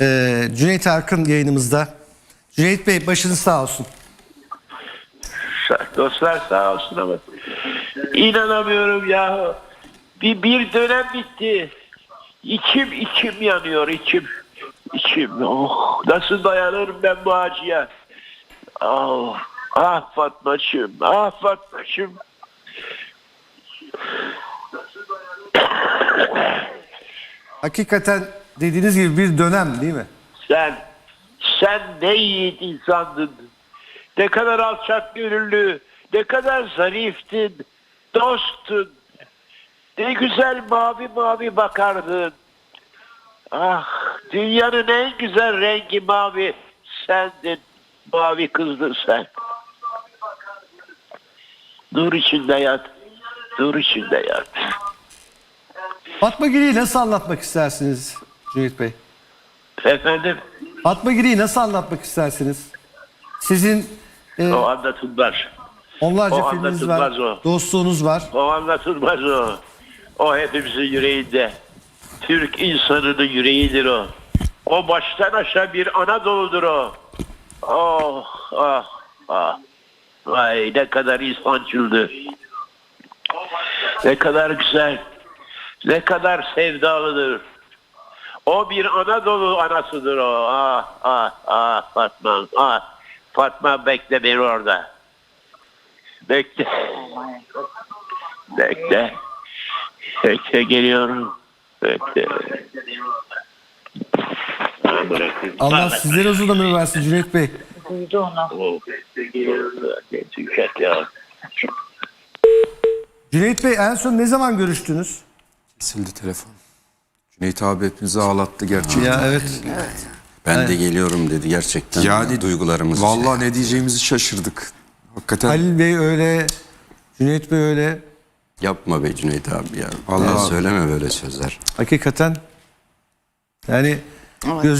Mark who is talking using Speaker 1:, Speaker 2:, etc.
Speaker 1: Cüneyt Arkın yayınımızda. Cüneyt Bey, başınız sağ olsun.
Speaker 2: Dostlar sağ olsun ama inanamıyorum ya. Bir dönem bitti. İçim yanıyor, içim. Oh, nasıl dayanırım ben bu acıya? Oh, ah Fatmacığım, ah Fatmacığım.
Speaker 1: Hakikaten dediğiniz gibi bir dönem değil mi?
Speaker 2: Sen ne yiğit insandın. Ne kadar alçak gönüllü, ne kadar zariftin, dosttun. Ne güzel mavi mavi bakardın. Ah, dünyanın en güzel rengi mavi sendin. Mavi kızdın sen. Nur içinde yat. Nur içinde yat.
Speaker 1: Fatma Giri'yi nasıl anlatmak istersiniz Cüneyt Bey?
Speaker 2: Efendim,
Speaker 1: Fatma Giri'yi nasıl anlatmak istersiniz? Sizin
Speaker 2: o anlatılmaz.
Speaker 1: onlarca
Speaker 2: o
Speaker 1: filminiz var,
Speaker 2: anlatılmaz o.
Speaker 1: dostluğunuz var.
Speaker 2: O anlatılmaz o. O hepimizin yüreğinde. Türk insanının yüreğidir o. O baştan aşağı bir Anadolu'dur o. Oh, ah, ah. Vay ne kadar insancıldı. Ne kadar güzel. Ne kadar sevdalıdır. O bir Anadolu anasıdır o. Ah, ah, ah Fatma. Ah, Fatma bekle beni orada. Bekle. Bekle. Bekle geliyorum. Bekle.
Speaker 1: Allah sizlere uzun ömür versin Cüneyt Bey.
Speaker 3: Duydu onu.
Speaker 2: Oh, bekle geliyorum. Tüket ya.
Speaker 1: Cüneyt Bey, en son ne zaman görüştünüz?
Speaker 4: Kesildi telefon. Cüneyt abi hepimizi ağlattı gerçekten.
Speaker 1: Ya evet.
Speaker 4: Ben de geliyorum dedi gerçekten.
Speaker 5: Yani
Speaker 4: duygularımız.
Speaker 5: Vallahi ne diyeceğimizi şaşırdık. Hakikaten
Speaker 1: Halil Bey öyle, Cüneyt Bey öyle.
Speaker 4: Yapma be Cüneyt abi ya.
Speaker 5: Vallahi-
Speaker 4: Ya söyleme böyle sözler.
Speaker 1: Hakikaten yani göz